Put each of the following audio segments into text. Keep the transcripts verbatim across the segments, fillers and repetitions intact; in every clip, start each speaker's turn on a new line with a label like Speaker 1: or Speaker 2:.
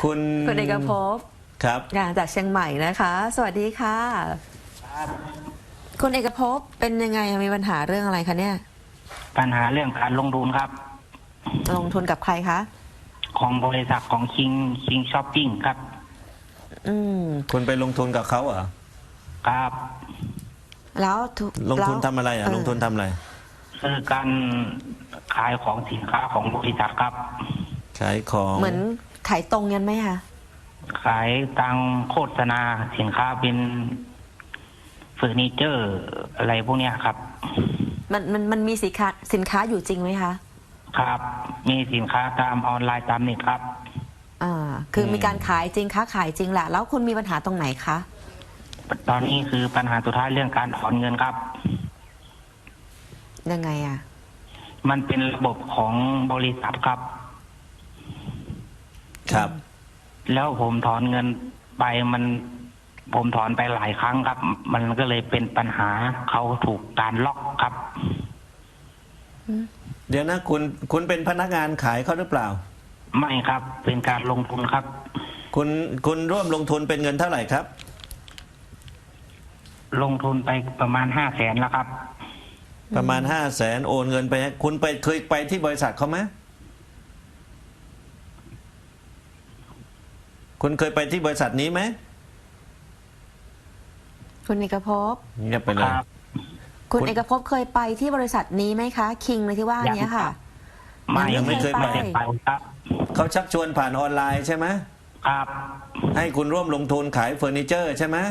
Speaker 1: คุณ
Speaker 2: คุณเอกภพ
Speaker 1: ครับ
Speaker 2: จากเชียงใหม่นะคะ สวัสดีค่ะคุณเอกภพเป็นยังไงมีปัญหาเรื่องอะไรคะเนี่ย
Speaker 3: ปัญหาเรื่องการลงทุนครับ
Speaker 2: ลงทุนกับใครคะ
Speaker 3: ของบริษัทของคิงคิงช้อปปิ้งครับ
Speaker 2: อืม
Speaker 1: คุณไปลงทุนกับเขาเหรอ
Speaker 3: ครับ
Speaker 2: แล้ว
Speaker 1: ลงทุนทำอะไรอ่ะลงทุนทำอะไร
Speaker 3: คือการขายของสินค้าของบริษัทครับ
Speaker 1: ขายของ
Speaker 2: เหมือนขายตรงยันไหมคะ
Speaker 3: ขายทางโฆษณาสินค้าเป็นเฟอร์นิเจอร์อะไรพวกเนี้ยครับ
Speaker 2: มันมันมันมีสินค้าสินค้าอยู่จริงไหมคะ
Speaker 3: ครับมีสินค้าตามออนไลน์ตามเน็ตครับ
Speaker 2: อ่าคือมีการขายจริงค้าขายจริงแหละแล้วคุณมีปัญหาตรงไหนคะ
Speaker 3: ตอนนี้คือปัญหาสุดท้ายเรื่องการถอนเงินครับ
Speaker 2: ยังไงอ่ะ
Speaker 3: มันเป็นระบบของบริษัทครับ
Speaker 1: ครับ
Speaker 3: แล้วผมถอนเงินไปมันผมถอนไปหลายครั้งครับมันก็เลยเป็นปัญหาเขาถูกการล็อกครับ
Speaker 1: เดี๋ยวนะคุณคุณเป็นพนักงานขายเขาหรือเปล่า
Speaker 3: ไม่ครับเป็นการลงทุนครับ
Speaker 1: คุณคุณร่วมลงทุนเป็นเงินเท่าไหร่ครับ
Speaker 3: ลงทุนไปประมาณห้าแสนแล้วครับ
Speaker 1: ประมาณห้าแสนโอนเงินไปให้คุณไปเคยไปที่บริษัทเขาไหมคุณเคยไปที่บริษัทนี้ไหม
Speaker 2: คุณเอกภพ
Speaker 1: เงียบไปเลย
Speaker 2: คุณเอกภพเคยไปที่บริษัทนี้ไหมคะคิงเลยที่ว่านี้ค่ะ
Speaker 3: ไม่ยังไม่เคยไปครับ
Speaker 1: เขาชักชวนผ่านออนไลน์ใช่ไหม
Speaker 3: ครับ
Speaker 1: ให้คุณร่วมลงทุนขายเฟอร์นิเจอร์ใช่ไหม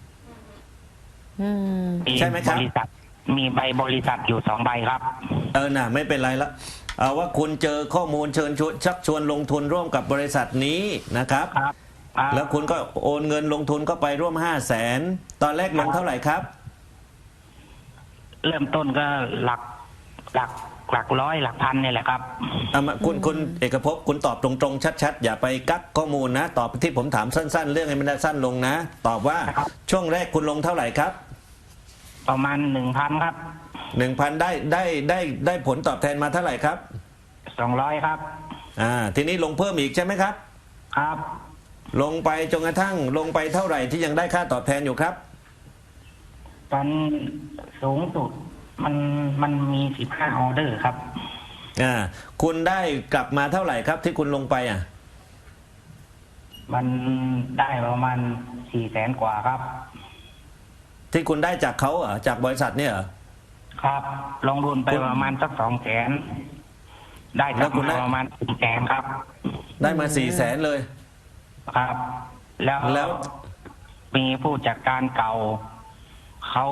Speaker 1: ใช่ไหมครับ
Speaker 3: บริษัทมีใบบริษัทอยู่สองใบครับ
Speaker 1: เออน่ะไม่เป็นไรละเอาว่าคุณเจอข้อมูลเชิญชวนชักชวนลงทุนร่วมกับบริษัทนี้นะครับ
Speaker 3: ครับ
Speaker 1: แล้วคุณก็โอนเงินลงทุนเข้าไปร่วมห้าแสนตอนแรกลงเท่าไหร่ครับ
Speaker 3: เริ่มต้นก็หลักหลักหลักร้อยหลักพันนี่แหละครับ
Speaker 1: เอามาคุณคุณเอกภพคุณตอบตรงๆชัดๆอย่าไปกักข้อมูลนะตอบที่ผมถามสั้นๆเรื่องให้มันได้สั้นลงนะตอบว่าช่วงแรกคุณลงเท่าไหร่ครับ
Speaker 3: ประมาณหนึ่งพันครับ
Speaker 1: หนึ่งพันได้ได้ได้ได้ผลตอบแทนมาเท่าไหร่ครับ
Speaker 3: สองร้อยครับ
Speaker 1: อ่าทีนี้ลงเพิ่มอีกใช่ไหมครับ
Speaker 3: ครับ
Speaker 1: ลงไปจนกระทั่งลงไปเท่าไหร่ที่ยังได้ค่าตอบแทนอยู่ครับ
Speaker 3: ตอนสูงสุดมันมันมีสิบห้าออเดอร์ครับ
Speaker 1: อ่าคุณได้กลับมาเท่าไหร่ครับที่คุณลงไปอ่ะ
Speaker 3: มันได้ประมาณสี่แสนกว่าครับ
Speaker 1: ที่คุณได้จากเขาเหรอจากบริษัทเนี่ยเหรอ
Speaker 3: ครับลงทุนไปประมาณสักสองแสนได้กลับมาประมาณสี่แสนครับ
Speaker 1: ได้มาสี่แสนเลย
Speaker 3: ครับแล้วแล้วมีผู้จัดการเก่าเขา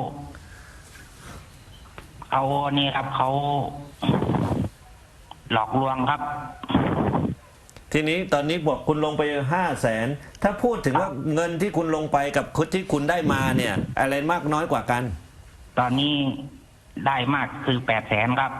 Speaker 3: เขานี่ครับเขาหลอกลวงครับ
Speaker 1: ทีนี้ตอนนี้บอกคุณลงไปห้าแสนถ้าพูดถึงว่าเงินที่คุณลงไปกับคุณที่คุณได้มาเนี่ยอะไรมากน้อยกว่ากัน
Speaker 3: ตอนนี้ได้มากคือแปดแสนครับ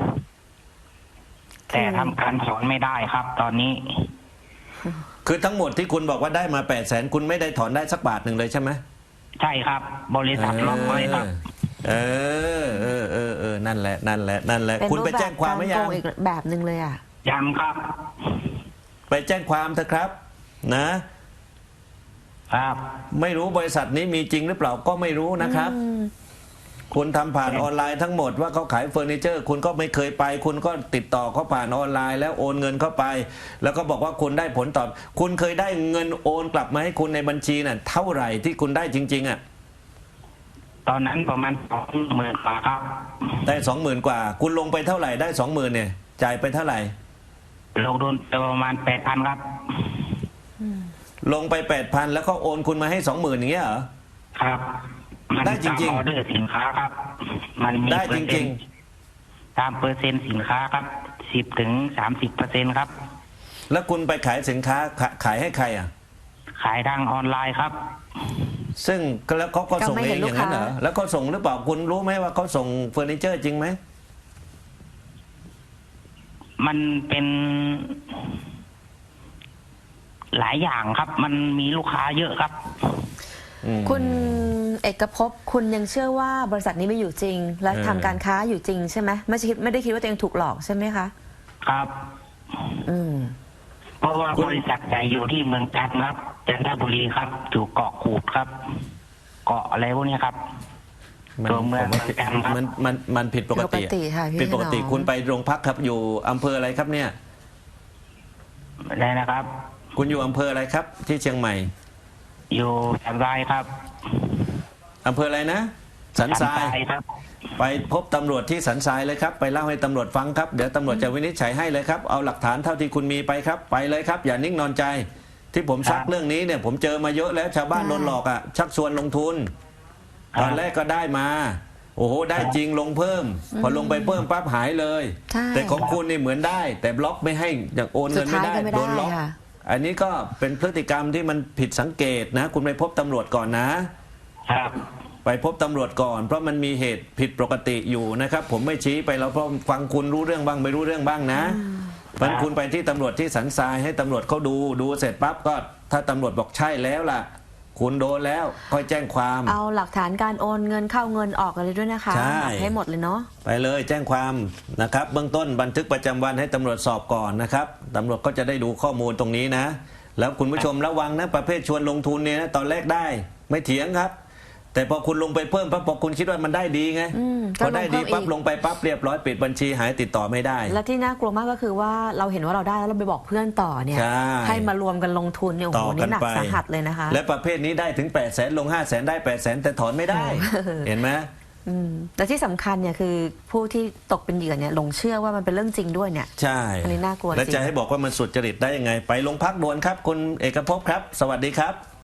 Speaker 3: แต่ทำการถอนไม่ได้ครับตอนนี้
Speaker 1: คือทั้งหมดที่คุณบอกว่าได้มาแปดแสนคุณไม่ได้ถอนได้สักบาทหนึ่งเลยใช่ไหม
Speaker 3: ใช่ครับบริษัทล็อกไว้ครับ
Speaker 1: เออเออเออเออนั่นแหละนั่นแหละนั่นแหละคุณไปแจ้งความไหมยัง
Speaker 2: อีกแบบหนึ่งเลยอ่ะ
Speaker 3: ยังครับ
Speaker 1: ไปแจ้งความเถอะครับนะครับไม่รู้บริษัทนี้มีจริงหรือเปล่าก็ไม่รู้นะครับคุณทำผ่านออนไลน์ทั้งหมดว่าเขาขายเฟอร์นิเจอร์คุณก็ไม่เคยไปคุณก็ติดต่อเขาผ่านออนไลน์แล้วโอนเงินเข้าไปแล้วก็บอกว่าคุณได้ผลตอบคุณเคยได้เงินโอนกลับมาให้คุณในบัญชีน่ะเท่าไหร่ที่คุณได้จริงๆอ่ะ
Speaker 3: ตอนนั้นประมาณสองหมื่นกว่าครับ
Speaker 1: ได้สองหมื่นกว่าคุณลงไปเท่าไหร่ได้สองหมื่นเนี่ยจ่ายไปเท่าไหร่
Speaker 3: ลงทุนประมาณแปดพันครับ
Speaker 1: ลงไปแปดพันแล้วเขาโอนคุณมาให้สองหมื่นอย่างเงี้ยเหรอ
Speaker 3: ครับ
Speaker 1: ได้จริงๆ
Speaker 3: ออเดอร์สินค้าครับมันมี
Speaker 1: ได้จริง
Speaker 3: ๆตามเปอร์เซ็นต์สินค้าครับสิบถึงสามสิบเปอร์เซ็นต์ครับ
Speaker 1: แล้วคุณไปขายสินค้าขายให้ใครอ่ะ
Speaker 3: ขายทางออนไลน์ครับ
Speaker 1: ซึ่งแล้วเขาก็ส่งเองอย่างนั้นเหรอแล้วเขาส่งหรือเปล่าคุณรู้ไหมว่าเขาส่งเฟอร์นิเจอร์จริงไหม
Speaker 3: มันเป็นหลายอย่างครับมันมีลูกค้าเยอะครับ
Speaker 2: คุณเอกภพคุณยังเชื่อว่าบริษัทนี้ไม่อยู่จริงและทำการค้าอยู่จริงใช่ไหมไม่คิดไม่ได้คิดว่าตัวเองถูกหลอกใช่ไหมคะ
Speaker 3: ครับ
Speaker 2: อืม
Speaker 3: เพราะว่าบริษัทใหญ่อยู่ที่เมืองจันทร์ครับจันทบุรีครับอยู่เกาะกูดครับ เกาะอะไรพวกนี้ครับ
Speaker 1: มัน
Speaker 3: ตัวเมือง
Speaker 1: ผมว่า
Speaker 3: เมืองจันทร์ครับ
Speaker 1: มันมันมันผิดปกติ
Speaker 2: ผิดปกติค่ะพี่
Speaker 1: ผิดปกติ
Speaker 2: ถนอม
Speaker 1: คุณไปโรงพักครับอยู่อำเภออะไรครับเนี่ย
Speaker 3: ได้นะครับ
Speaker 1: คุณอยู่อำเภออะไรครับ ที่เชียงใหม่
Speaker 3: อยู่สันทรายครับ
Speaker 1: อำเภออะไรนะสันทราย
Speaker 3: ครับ
Speaker 1: ไปพบตำรวจที่สันทรายเลยครับไปเล่าให้ตำรวจฟังครับเดี๋ยวตำรวจจะวินิจฉัยให้เลยครับเอาหลักฐานเท่าที่คุณมีไปครับไปเลยครับ อย่านิ่งนอนใจ ที่ผมชักเรื่องนี้เนี่ยผมเจอมาเยอะแล้วชาวบ้านโดนหลอกอ่ะชักชวนลงทุน ตอนแรกก็ได้มา โอ้โหได้จริงลงเพิ่ม พอลงไปเพิ่มปั๊บหายเลย
Speaker 2: ใช่
Speaker 1: แต่ของคุณนี่เหมือนได้ แต่บล็อกไม่ให้อย่างโอนเงินไม่ได้
Speaker 2: สุดท้ายก็ไม่ได้
Speaker 1: โดนล็อก
Speaker 2: ค่ะ
Speaker 1: อันนี้ก็เป็นพฤติกรรมที่มันผิดสังเกตนะ คุณไปพบตำรวจก่อนนะ
Speaker 3: ครับ
Speaker 1: ไปพบตำรวจก่อน เพราะมันมีเหตุผิดปกติอยู่นะครับ ผมไม่ชี้ไปแล้วเพราะฟังคุณรู้เรื่องบ้างไม่รู้เรื่องบ้างนะมันคุณไปที่ตำรวจที่สันทรายให้ตำรวจเขาดูดูเสร็จปั๊บก็ถ้าตำรวจบอกใช่แล้วล่ะ คุณโดนแล้วค่อยแจ้งความ
Speaker 2: เอาหลักฐานการโอนเงินเข้าเงินออกอะไรด้วยนะคะ
Speaker 1: ใช่
Speaker 2: เอาให้หมดเลยเนาะ
Speaker 1: ไปเลยแจ้งความนะครับ เบื้องต้นบันทึกประจำวันให้ตำรวจสอบก่อนนะครับตำรวจก็จะได้ดูข้อมูลตรงนี้นะ แล้วคุณผู้ชมระวังนะประเภทชวนลงทุนเนี่ยนะตอนแรกได้ไม่เถียงครับ แต่พอคุณลงไปเพิ่มปั๊บพอคุณคิดว่ามันได้ดีไง
Speaker 2: อืม
Speaker 1: พอได้ดี
Speaker 2: ก็ลงเพิ่มอีก
Speaker 1: ปั๊บลงไปปั๊บเรียบร้อยปิดบัญชีหายติดต่อไม่ได้
Speaker 2: และที่น่ากลัวมากก็คือว่าเราเห็นว่าเราได้แล้วเราไปบอกเพื่อนต่อเนี่ย
Speaker 1: ใช่
Speaker 2: ให้มารวมกันลงทุนเนี่ยโอ้
Speaker 1: ต่
Speaker 2: โห
Speaker 1: อกั
Speaker 2: นี่
Speaker 1: น
Speaker 2: หนัก
Speaker 1: ไป
Speaker 2: สาหัสเลยนะคะ
Speaker 1: และประเภทนี้ได้ถึงแปดแสนลงห้าแสนได้แปดแสนแต่ถอนไม่ได้ เห็นไหม
Speaker 2: อืมและที่สำคัญเนี่ยคือผู้ที่ตกเป็นเหยื่อเนี่ยหลงเชื่อว่ามันเป็นเรื่องจริงด้วยเนี่ย
Speaker 1: ใช่
Speaker 2: อันนี้น่ากลัว
Speaker 1: และ
Speaker 2: จริง
Speaker 1: จะให้บอกว่ามันสุดจริตได้ยังไง ไปโรงพักด่วนครับ คุณเอกภพครับ สวัสดีครับ